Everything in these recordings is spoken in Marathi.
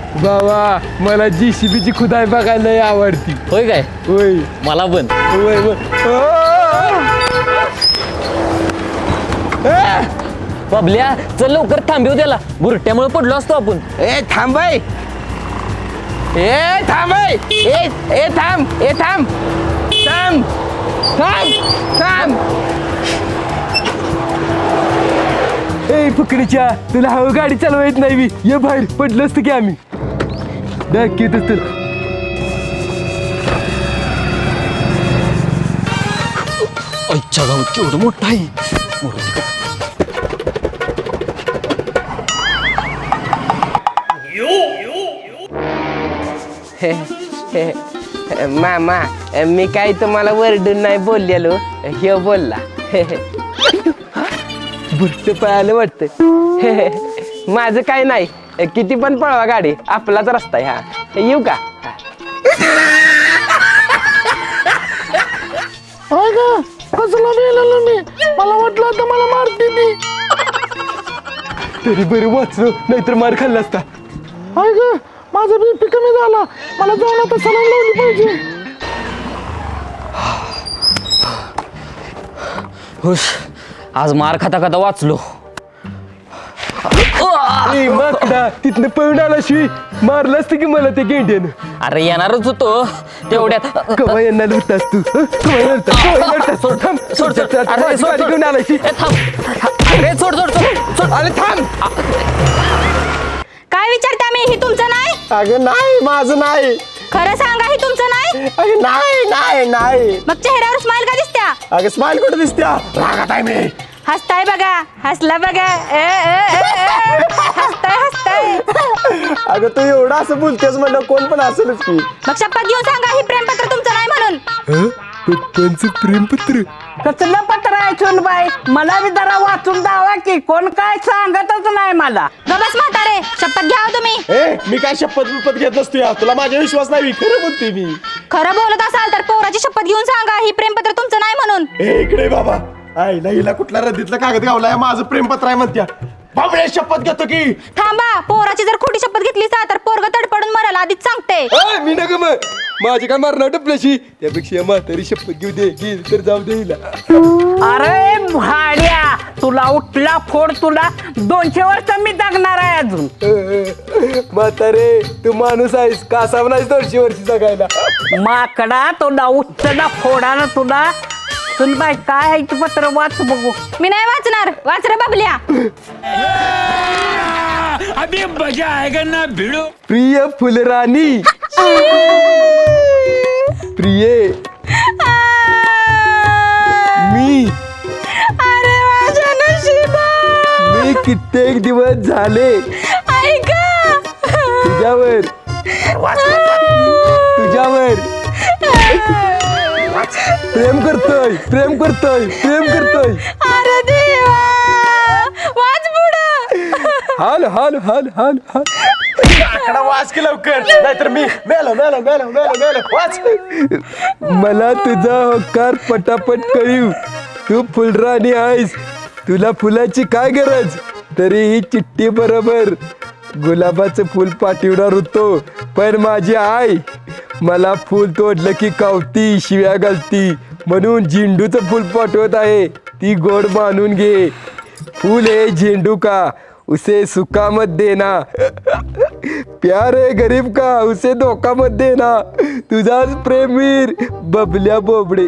बाबा मला JCBची खुदाई बघायला लय आवडती. होय काय? होय मला पण. होय होय. बबल्या चल लवकर थांबव त्याला, बुरट्यामुळे पडलो असतो आपण. ए थांब बाई. ए थांब बाई. ए थांब. ए थांब थांब थांब थांब. ए फुकणीच्या तुला हवं गाडी चालवा येत नाही. ये बाहेर पडलं असतं की आम्ही दाखवतच तर. अच्छा गाव केवढं मोठं आहे. मामा मी काही तुम्हाला वरडून नाही बोललेलो. हे बोलला. बुरट पळालं वाटतं. माझं काय नाही. किती पण पळवा गाडी, आपलाच रस्ता आहे हा. येऊ का? कसला मेलेलो मी, मला वाटलं आता मला मारते ती. तरी बरं वाचलो, नाहीतर मार खाल्ला असता. हाय ग, माझा BP कमी झाला, मला जाऊन आता सलाम लावली पाहिजे. हुश, आज मार खाता खाता वाचलो. ए माकडा, तिथनं पळून आला शिवी मारलं असतं की मला ते गेंड्यानं. अरे येणारच होतो तेवढ्यात. कवा यांना लढतास तू? कवा लढतास? सोड थांब. सोड सोड. अरे माझी सोड गाडी सोड. घेऊन आलाय शी. ए, थांब. अरे सोड सोड सोड सोड. अरे थांब. काय विचारता मी? ही तुमचं नाही? अगं नाही, माझं नाही. खरं सांगा, ही तुमचं नाही? अगं नाही नाही नाही. मग चेहऱ्यावर स्माइल का दिसत्या? अगं स्माइल कुठे दिसत्या? रागात आहे मी. हसताय बघा, हसला बघा. हसताय. अगं तू एवढं असं बोलतेस म्हणलं कोण पण असेलच की. मग शपथ घेऊन सांगा, ही प्रेमपत्र तुमचं नाही म्हणून. पप्पांचं प्रेमपत्र? कसलं पत्र आहे सुनबाई, मला बी जरा वाचून दावा की, कोण काय सांगतच नाही मला. गबस म्हातारे, शपथ घ्या हो तुम्ही. ए मी काय शपथ घेत नसतो या. तुला माझा विश्वास नाही. खरं बोलते मी. खरं बोलत असाल तर पोराची शपथ घेऊन सांगा, ही प्रेमपत्र तुमचं नाही म्हणून. ए इकडे बाबा. आईला हिला कुठला रद्दीतला कागद गावलाय, माझं प्रेमपत्र आहे म्हणत्या. बाबळे शपथ घेतो की. थांबा, पोराची जर खोटी शपथ घेतली तर पोरग तडपडून मरायला आधीच सांगते. मी नका मग माझी काय मारणार टपल्याशी. त्यापेक्षा म्हातारी शपथ घेऊ दे. गेली तर जाऊ दे हिला. अरे भाड्या, तुला उठला फोड, तुला 200 वर्ष मी जगणार आहे अजून. म्हातारे तू माणूस आहेस, कासाव नाहीस 200 वर्षी जगायला. माकडा, तुला उठला फोडा ना तुला. सुनबाई काय आहे ते पत्र वाच बघू. मी नाही वाचणार. वाच रे बाबल्या. प्रिय फुलराणी, प्रिये मी. अरे माझ्या नशिबा. मी कित्येक दिवस झाले ऐका. तुझ्यावर प्रेम करतोय. अरे देवा, वाच पुढं. हाल हाल हाल हाल हाल. आकडा वाच की लवकर, नाहीतर मी मेलो. वाच. मला तुझा होकार पटापट कळीव. तू फुलराणी आहेस, तुला फुलाची काय गरज. तरी ही चिठ्ठी बरोबर गुलाबाचं फुल पाठवणार होतो, पण माझी आई मला फुल तोडलं की कावती, शिव्या घालती. म्हणून झेंडूचं फुल पाठवत आहे. ती गोड मानून घे. फूल है झेंडू का, उसे सुखा मत देना. प्यार है गरीब का, उसे धोखा मत देना. तुझाच प्रेमीर बबल्या बोबडे.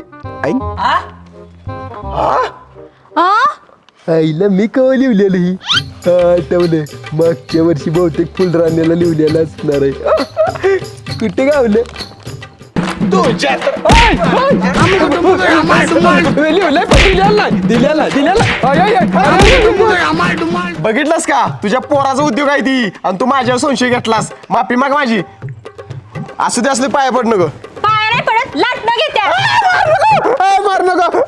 आईला मी कवा लिहिलेलं ही आठवलं. मागच्या वर्षी बहुतेक फुलराण्याला लिहिलेलं असणार आहे. कुठे गावलं बघितलंस का? तुझ्या पोराचा उद्योग आहे ती, आणि तू माझ्यावर संशय घेतलास. माफी माग माझी. असू दे, असले पाया पड नको. पाया नाही पडत, लाटणं घेत्या. मार नको.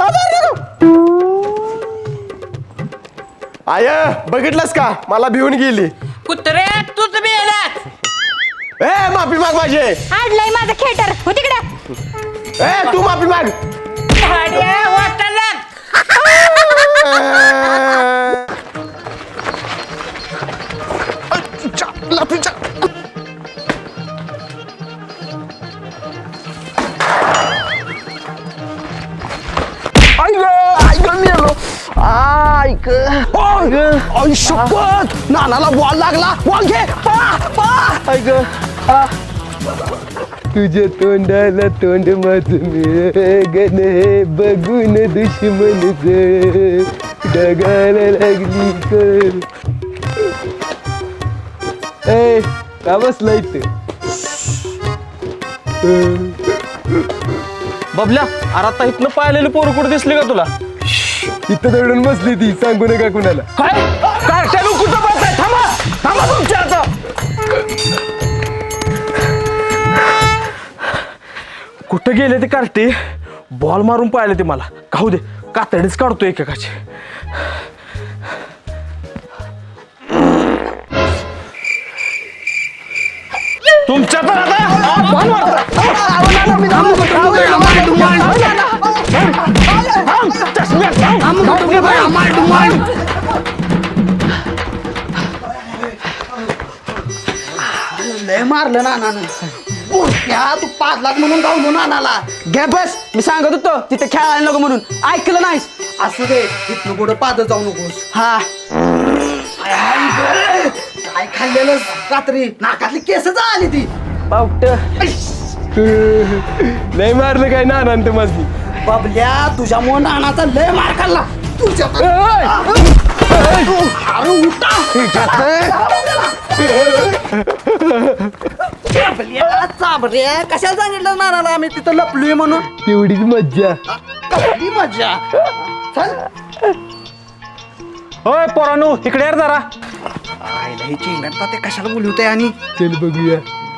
आय बघितलंस का? मला भिवून गेली. कुत्रे तूच मेलास. माफी माग माझे. हाडलंय माझं खेटर. हो तिकडे. तू माफी माग. भाड्या वाटायला. शपथ नानाला बॉल लागला बॉल घे तुझ्या तोंडाला तोंड माझं गण बघून दुश्मन डगायला लागली कर ए का बसला इथं बबल्या अरे आता इथनं पाहिलेली पोरं कुठे दिसली का तुला इथं दडून बसली ती सांगू नका कुणाला काय कार्ट्याला कुठं बसताय थांबा थांबा तुमच्या आता कुठं गेले ते कार्टे बॉल मारून पाहिले ते मला खाऊ दे कातडीच काढतो एकेकाची तुमच्या तर आता बॉल लय मारलं नानानं बोलत्या तू पाजलात म्हणून गावलो नानाला घे बस मी सांगत होतो तिथे खेळायला नको म्हणून ऐकलं नाहीस असं दे इथनं कुठं पादत जाऊ नकोस हा काय खाल्लेलं रात्री नाकातली केस आली ती पावट लय मारलं काय ना अनंत माझी बबल्या तुझ्यामुळे नानाचा लय मार खाल्ला तुझ्या अरे उठा बबल्या चाबऱ्या कशाला सांगितलं नानाला आम्ही तिथं लपलोय म्हणून तेवढीच मज्जा कसली मजा चल होय पोरानू इकडे यार जरा आईला ही चिंगडता ते कशाला बोलवते आणि चल बघूया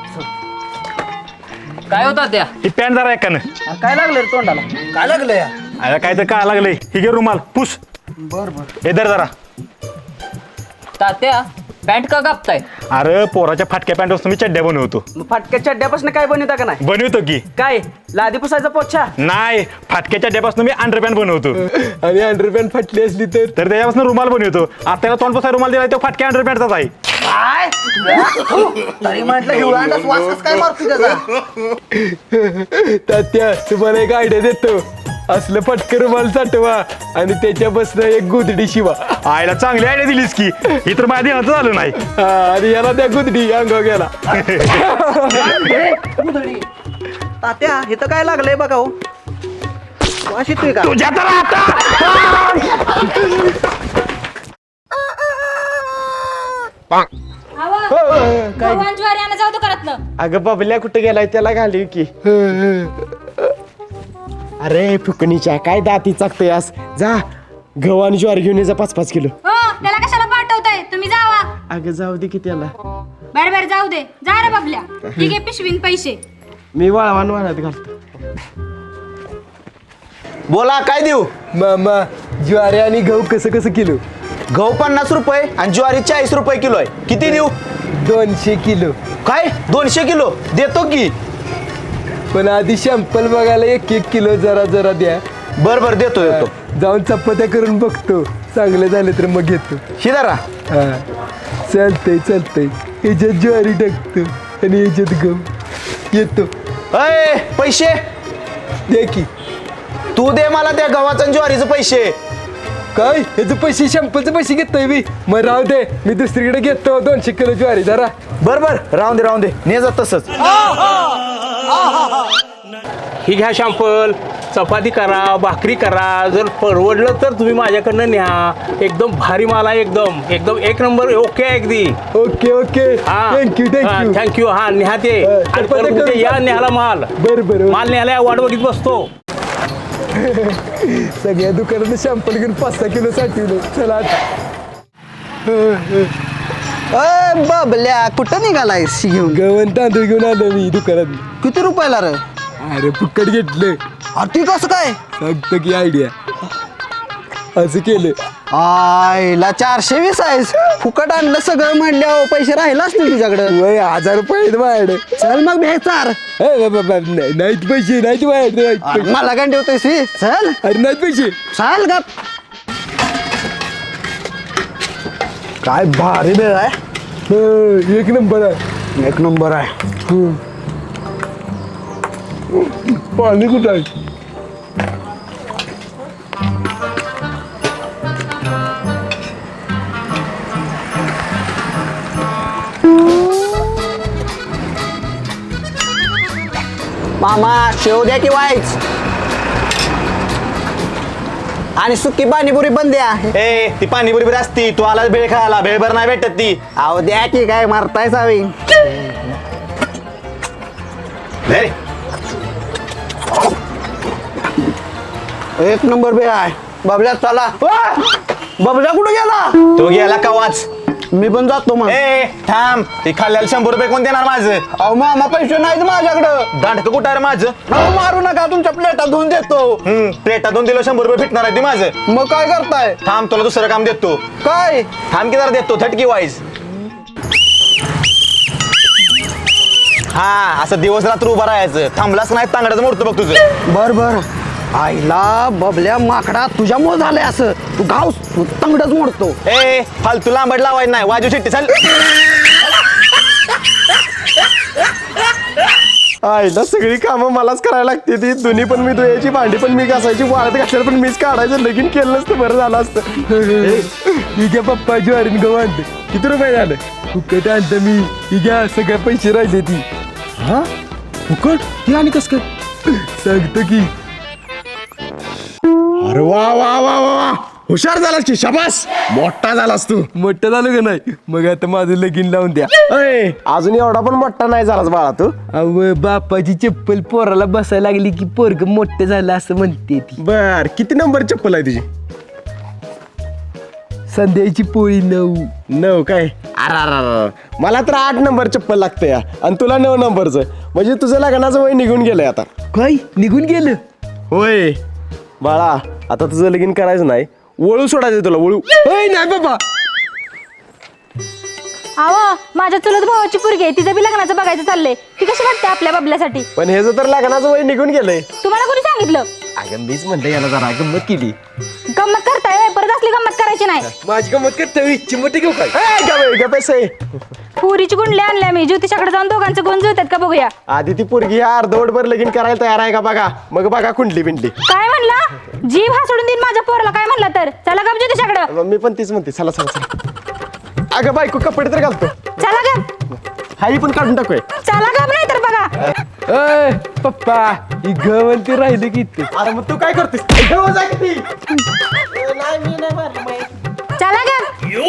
काय होता त्या ही पॅन्ट जरा एकानं काय लागलं रे तोंडाला काय लागलंय अरे काय तर काय लागलंय ही घे रुमाल पुस बर बर हे धर जरा तात्या पॅन्ट का कापताय अरे पोराच्या फाटक्या पॅन्ट मी चड्ड्या बनवतो फाटक्या चड्ड्यापासून काय बनवता का नाही बनवतो की काय लादी पुसायचा पोछा नाही फाटक्या चड्ड्यापासून मी अंडरपॅन्ट बनवतो आणि अंडरपॅन्ट फाटली असली तर तर त्याच्यापासून रुमाल बनवतो आता त्याला तोंड पसाय रुमाल दिला तो फाटक्या अंडरपॅन्टचाच आहे काय तरी म्हटलं हिवळांडाच वास काय मारतो त्याचा तात्या तुम्हाला एक आयडिया देतो असलं फटकर रुमाल साठवा आणि त्याच्या बसनं एक गुदडी शिवा आईला चांगली आयडिया दिलीस की ही तर माझ्या ध्यानात झालं नाही हा, आणि याला त्या गुदडी अंगावर गेला तात्या हे तर काय लागलंय बघा हो वास येतोय का तुझ्या तर आता ज्वारी आणा जाऊ दुकानातनं अगं बबल्या कुठे गेलाय त्याला घाली की अरे फुकणीच्या काय दाती चाकतयास जा गहू आणि ज्वारी घेऊन ये जा 5-5 किलो हो त्याला कशाला पाठवताय तुम्ही जावा अगं जाऊ दे की त्याला बर बर जाऊ दे जा रे बबल्या ठीक आहे पिशवीन पैसे मी वाळवान वाळत घालतो बोला काय देऊ मामा ज्वारी आणि गहू कसं कसं किलो गहू 50 रुपये आणि ज्वारी 40 रुपये किलो आहे किती देऊ 200 किलो काय 200 किलो देतो की पण आधी शॅम्पल बघायला 1-1 किलो जरा जरा द्या बर बर देतो देतो जाऊन चपात्या करून बघतो चांगले झाले तर मग घेतो शिदारा हा चालतंय चालतंय ह्याच्यात ज्वारी टाकतो आणि ह्याच्यात गहू येतो अय पैसे दे की तू दे मला त्या गव्हाचं आणि ज्वारीचं पैसे काय ह्याचे पैसे शॅम्पलचे पैसे घेतोय मी मग राहू दे मी दुसरीकडे घेतो 200 किलो ज्वारी जरा बर बर राहून दे ने जा तसंच ही घ्या शॅम्पल चपाती करा भाकरी करा जर परवडलं तर तुम्ही माझ्याकडनं न्या एकदम भारी माल आहे एकदम एकदम एक नंबर ओके आहे अगदी okay okay thank you thank you thank you हा न्या ते आणि परत उद्या या न्याला माल बरं माल न्यायला वाट बघित बसतो सगळ्या दुकानात शॅम्पल घेऊन 5-6 किलो साठवलं चला आता. बबल्या कुठं निघालायस घेऊन गव्हाण तांदूळ घेऊन आलो मी दुकानात किती रुपयाला रे अरे फुकट घेतलं अरे ती कसं काय सांगतो की आयडिया असं केलं आईला 420 आहेस फुकट आणलं सगळं म्हणल्यावर पैसे राहिले असतील तुझ्याकडं वय 1000 रुपये आहेत माझ्याकडे चल मग भेचार नाहीत पैसे नाहीत माझ्याकडे नाहीत पैसे. मला काय ठेवतोयस चल अरे नाहीत पैसे चाल गप काय भारी वेळ आहे एक नंबर आहे एक नंबर आहे पाणी कुठं आहे मामा शेव द्या की वाईच आणि सुकी पाणीपुरी पण द्या. ए ती पाणीपुरी बरी असती, तू आला भेळ खायला, भेळभर नाही भेटत ती. अहो द्या की काय मारताय सावी. ले. एक नंबर बे आहे बबल्या. चला बबल्या कुठे गेला? तो गेला कवाच. मी पण जातो मग. ए थांब, ती खाल्ल्याला 100 रुपये कोण देणार माझं? अहो मामा पैसे नाहीत माझ्याकडं. दांडकं कुठं आहे रे माझं? अहो मारू नका तुमच्या प्लेटा धुवून देतो. प्लेटातून दिलं 100 रुपये भेटणार आहे ती माझं. मग काय करताय? थांब तुला दुसरं काम देतो. काय? थांब की जरा देतो थटकी वाईज. हा असं दिवस रात्र उभं राहायचं, थांबलाच नाही तांगड्याचं मोडतो बघ तुझं. बर बर. आईला बबल्या माकडा तुझ्यामुळे झालंय असं. तू गाव तंगडच मोडतो. ए फालतू लांबड लावायचं नाही, वाजू शिट्टी चल. आईला सगळी कामं मलाच करायला लागते ती. दोन्ही पण मी धुयाची, भांडी पण मी घासायची, वाळत घातल्याला पण मीच काढायचं. लगीन केलं नसतं बरं झालं असतं. ही घ्या पप्पा ज्वारीन गहू आणते. किती रुपये झालं? फुकट आणतं मी. ही घ्या सगळे पैसे राहिले ती. हा फुकट? ही आणि कस काय सांगतो की. अरे वा वा वा वा, हुशार झालास की, शाबास, मोठा झालास तू. मोठा झालो का नाही? मग आता माझं लगीन लावून द्या. अजून एवढा पण मोठा नाही झालास बाळा तू. अव बापाची चप्पल पोराला बसायला लागली की पोरग मोठं झालं असं म्हणते ती. बर किती नंबर चप्पल आहे तुझी? संध्याची पोळी 9 काय? अरे मला तर 8 नंबर चप्पल लागतं या, आणि तुला 9 नंबरचं. म्हणजे तुझं लग्नाचं वय निघून गेलंय आता. काय निघून गेलं? होय बाळा, आता तुझं लगीन करायचं नाही, वळू सोडायचं तुला. वळू नाही बाबा. अहो माझ्या चुलत भावाची पोरगी आहे, तिचं बी लग्नाचं बघायचं चाललंय. ती कशी वाटते आपल्या बबल्यासाठी? पण हे तर लग्नाचं वय निघून गेलंय. तुम्हाला कोणी सांगितलं? अगं मीच म्हणलं याला जरा गंमत केली. गंमत करताय होय? परत असली गंमत करायची नाही. माझी गंमत करते चिमटी घेऊ काय? पैसे पुरीची गुंडली आणल्या मी. ज्योतिषाकडे जाऊन दोघांचं गुण जुळतात का बघूया. आधी ती पोरगी अर्धवटभर लगीन करायला तयार आहे का बघा, मग बघा कुंडली बिंडली. काय म्हणला? जीव हा सोडून देईन माझ्या पोराला काय म्हणला तर. चला ग ज्योतिषाकडं. मी पण तीच म्हणते. चला चला चला. अगं बायको कपडे तर घालतो. चला ग. हाई पण काढून टाकूय. चला ग नाही तर बघा. पप्पा ही गवंती राहिली की. अरे मग तू काय करतेस? चला ग.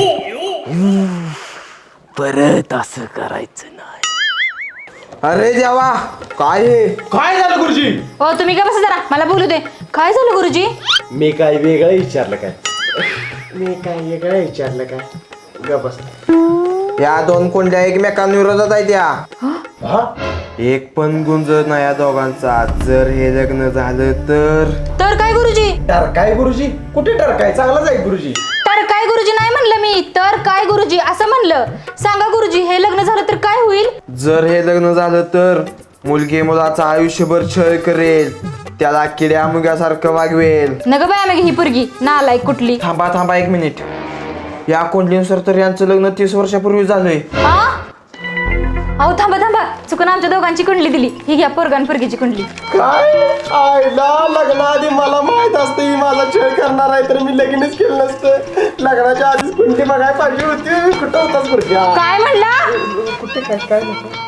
परत असं करायचं नाही. अरे देवा काय हे? काय झालं गुरुजी? हो तुम्ही का बसा जरा, मला बोलू दे. काय झालं गुरुजी? मी काय वेगळं विचारलं काय? मी काय वेगळं विचारलं काय? ग बस. या 2 कोंड्या एकमेकांविरोधात आहेत या. एक पण गुंजत नाही या दोघांचा. जर हे लग्न झालं तर काय गुरुजी? टरकाय गुरुजी? कुठे टरकाय? चांगलाच आहे गुरुजी. तर काय गुरुजी नाही म्हणलं मी, तर काय गुरुजी असं म्हणलं. सांगा गुरुजी, हे लग्न झालं तर काय होईल? जर हे लग्न झालं तर मुलगी मुलाचा आयुष्यभर छळ करेल, त्याला किड्या मुग्यासारखं वागवेल. नग बाय मग ही पोरगी नालायक कुठली. थांबा 1 मिनिट. या कोंडलीनुसार तर यांचं लग्न 30 वर्षापूर्वी झालंय. अहो थांबा चुकून आमच्या दोघांची कुंडली दिली. ही घ्या पोरगान पोरगीची कुंडली. काय आईला लग्नाआधी मला माहित असतं ही माझा छळ करणार आहे तर मी लगीनच केलं नसतं. लग्नाच्या आधीच कुंडली बघायला पाहिजे होती. कुठं होताच बरं? काय म्हणला? कुठे काय नको.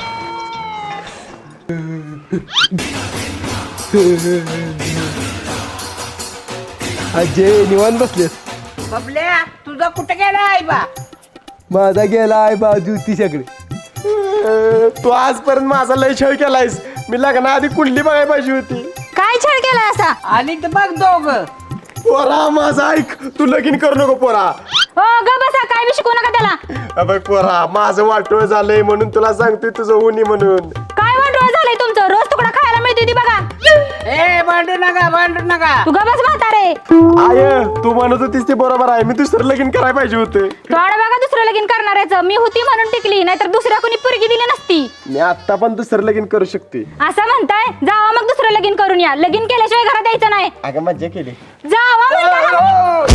अजय निवांत बसले. बबल्या तुझा कुठे गेला आहे बा? माझा गेला आहे बाजू ती सगळे. तू आजपर्यंत माझा लय छळ केलायस. मी लग्नाआधी कुंडली बघायला पाहिजे होती. काय छळ केला असा? आणि तर बघ दोघं. पोरा माझा ऐक, तू लगीन करू नको पोरा. हो ग बसा, काय बी शिकू नका त्याला. बघ पोरा, माझं वाटोळ झालंय म्हणून तुला सांगतोय तुझं उनी म्हणून. काय वाटोळ झालंय तुमचं? रोज तुकडा खायला मिळते ती बघा. ए भांडू नका. तू ग बस म्हातारे. आय तू म्हणत होतीस ते बरोबर आहे. मी दुसरं लगीन करायला पाहिजे होतं. थोडं बघा दुसरं लगीन करणाऱ्याचं. मी होती म्हणून टिकली, नाहीतर दुसऱ्या कोणी पोरगी दिली नसती. मी आता पण दुसरं लगीन करू शकते. असं म्हणताय? जावा मग दुसरं लगीन करून या. लगीन केल्याशिवाय घरात यायचं नाही. अगं मज्जा केली. जावा म्हणताय.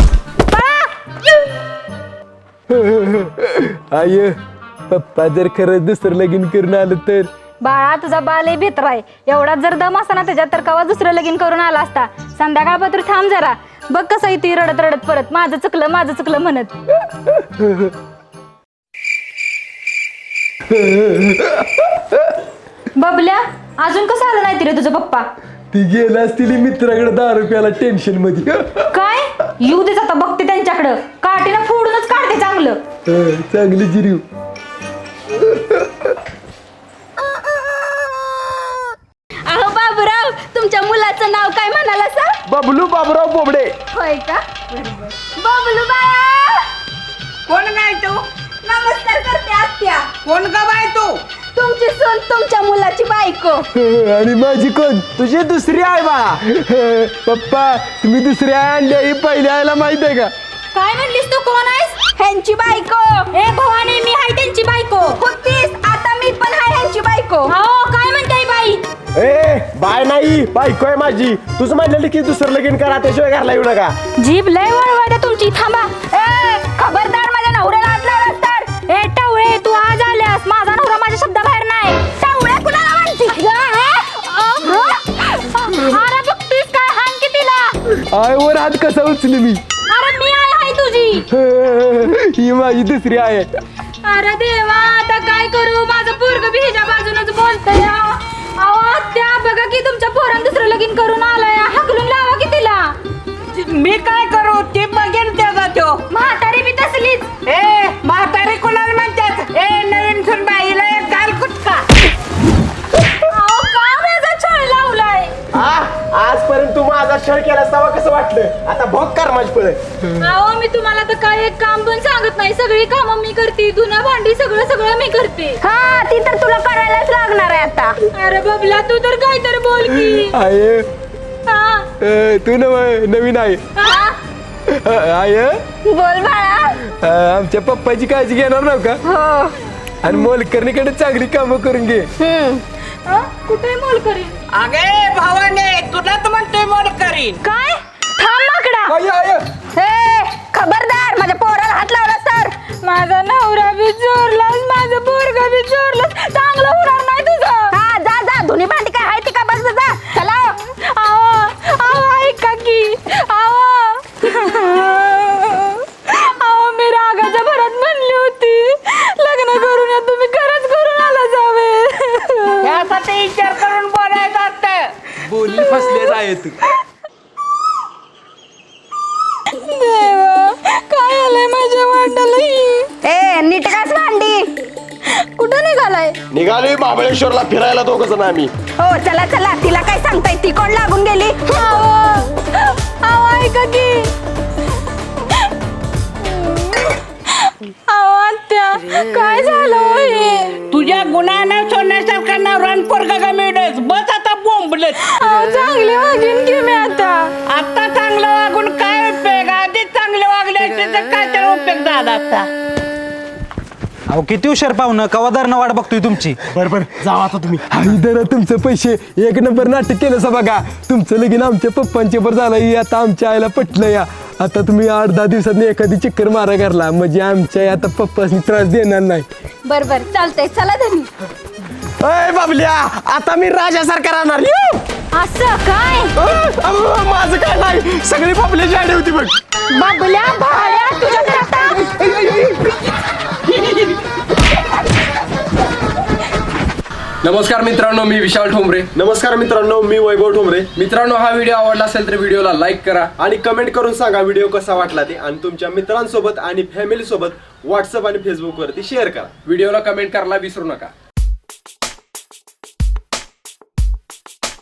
आय पप्पा जर खरंच दुसरं लगीन करून आलं तर? बाळा तुझा बाल भित्र आहे. एवढा जर दम असता ना त्याच्यात तर कवा दुसरं लगीन करून आला असता. संध्याकाळपत्र थांब जरा. बघ कसं येते रडत परत माझं चुकलं म्हणत. बबल्या अजून कसं आलं नाही रे तुझा पप्पा? ती गेला असतील मित्राकडे 10 रुपयाला टेन्शन मध्ये. काय येऊ देच आता, बघते त्यांच्याकडं, काठीनं फोडूनच काढते चांगलं. चांगली जिरीव. अहो बाबूराव, तुमच्या मुलाचं नाव काय म्हणाला सा? बबलू बाबूराव बोबडे. होय का? बबलू बाया, कोण काय तू? नमस्कार करते आत्या. कोण का बाय तू? तुमची सून तुमच्या मुलाची बायको. आणि माझी कोण? तुझी दुसरी आहे बाळा. पप्पा तुम्ही दुसऱ्या आणल्या ही पहिल्या आयला माहित आहे का? काय म्हणलीस तू? कोण आहेस? ह्यांची बायको. ए भवानी, मी हाय त्यांची बायको. होतीस, आता मी पण हाय ह्यांची बायको. हो, काय म्हणताय बाई? ए बाय नाही, बायको आहे माझी. तुझं म्हणलेली की दुसरं लगीन करा, त्याशिवाय घरला येऊ नका. जीभ लय वळवळते तुमची. थांबा. ए खबरदार, माझ्या नवऱ्याला हात लावलास तर. ए टावळे, तू आज आल्यास, माझा नवरा माझ्या शब्दाबाहेर नाही. टावळे कुणाला म्हणते? अरे बघतीस काय, हाण की तिला. आयवर हात कसा उचली मी? अरे मी आहे तुझी. ही माझी दुसरी आहे. अरे देवा, आता काय करू? माझं पोरग बी ह्याच्या बाजूनच बोलतंय. अहो त्या बघा की तुमच्या पोरानं दुसरं लगीन करून आलाय. हाकलून लावा की तिला. मी काय करू? ते बघेन त्याचा तो. म्हातारी बी तसलीच. ए म्हातारी कुणाला म्हणतात? ए नवीन सून बाईला एक गाल कुटका. अहो का माझा छळ लावलाय? आजपर्यंत तू माझा छळ केलास तेव्हा कसं वाटलं? आता भोग कर माझी पळ. अहो मी तुम्हाला तर काय एक काम पण सांगत नाही. सगळी कामं मी करते, धुणं भांडी सगळं मी करते. हा, ती तर तुला करायलाच लागणार आहे आता. अरे बबला, तू तर काय तर बोल की. आहे हा. तू नवीन आहे. हा? आहे बोल बाळा. आमच्या पप्पाची काळजी घेणार नव्ह का? हो. आणि मोलकर्णीकडे चांगली कामं करून घे. कुठे मोल करीन? अगे भावाने, तुला तर म्हणतोय मोड करीन. काय? थांब माकडा. I, I. हे खबरदार, माझ्या पोराला हात लावला तर. माझा नवरा बी चोरलास, माझं पोरगा बी चोरलास. चांगलं होणार नाही तुझं. हा, जा जा, धुनी भांडी काय आहे ती का बघ जा. चला. आहो ऐका की. आहो मी रागाच्या भरात म्हणली होती लग्न करून या, तुम्ही खरंच करून आला जावे. यासाठी विचार करून बोलायचं असतं. बोलली फसले जाय तू. देवा, काय आलंय माझ्या वाटाला? ए नीट काच भांडी. कुठं निघालाय? निघालोय महाबळेश्वरला फिरायला दोघं जण आम्ही. हो चला चला. तिला काय सांगताय? ती कोण लागून गेली? ऐका की. आत्या, काय झालं हे? तुझ्या गुणानं सोन्यासारखा नवरान पोरगा का मिळत. बस आता बोंबलत. चांगली वागीन की मी आता. आता चांगलं वागून काय उपयोग? आधीच चांगले वागले असते तर काय तर उपयोग झाला आता. अहो किती हुशार पाहुणं, कवादारनं वाट बघतोय तुमची. बरोबर जावा आता तुम्ही. आई जरा तुमचं पैसे एक नंबर नाटक केलं सा बघा. तुमचं लगीन आमच्या पप्पांच्या बर झालं, ही आता आमच्या आईला पटलं या. आता तुम्ही 8-10 दिवसात एखादी चक्कर मारा करला म्हणजे आमच्या आता पप्पासनी त्रास देणार नाही. बर बर चालतंय. चला धनी. अय बाबल्या, आता मी राजासारखा राहणार. असं काय? माझं काय नाही, सगळी बाबल्याची आडी होती बघ. बाबल्या भाड्या तुझ्या घरात. नमस्कार मित्रांनो, मी विशाल ठोंबरे. नमस्कार मित्रांनो, मी वैभव ठोंबरे. मित्रांनो, हा व्हिडिओ आवडला असेल तर व्हिडिओला लाईक करा आणि कमेंट करून सांगा व्हिडिओ कसा वाटला ते. आणि तुमच्या मित्रांसोबत आणि फॅमिली सोबत व्हॉट्सअप आणि फेसबुक वरती शेअर करा. व्हिडिओला कमेंट करायला विसरू नका.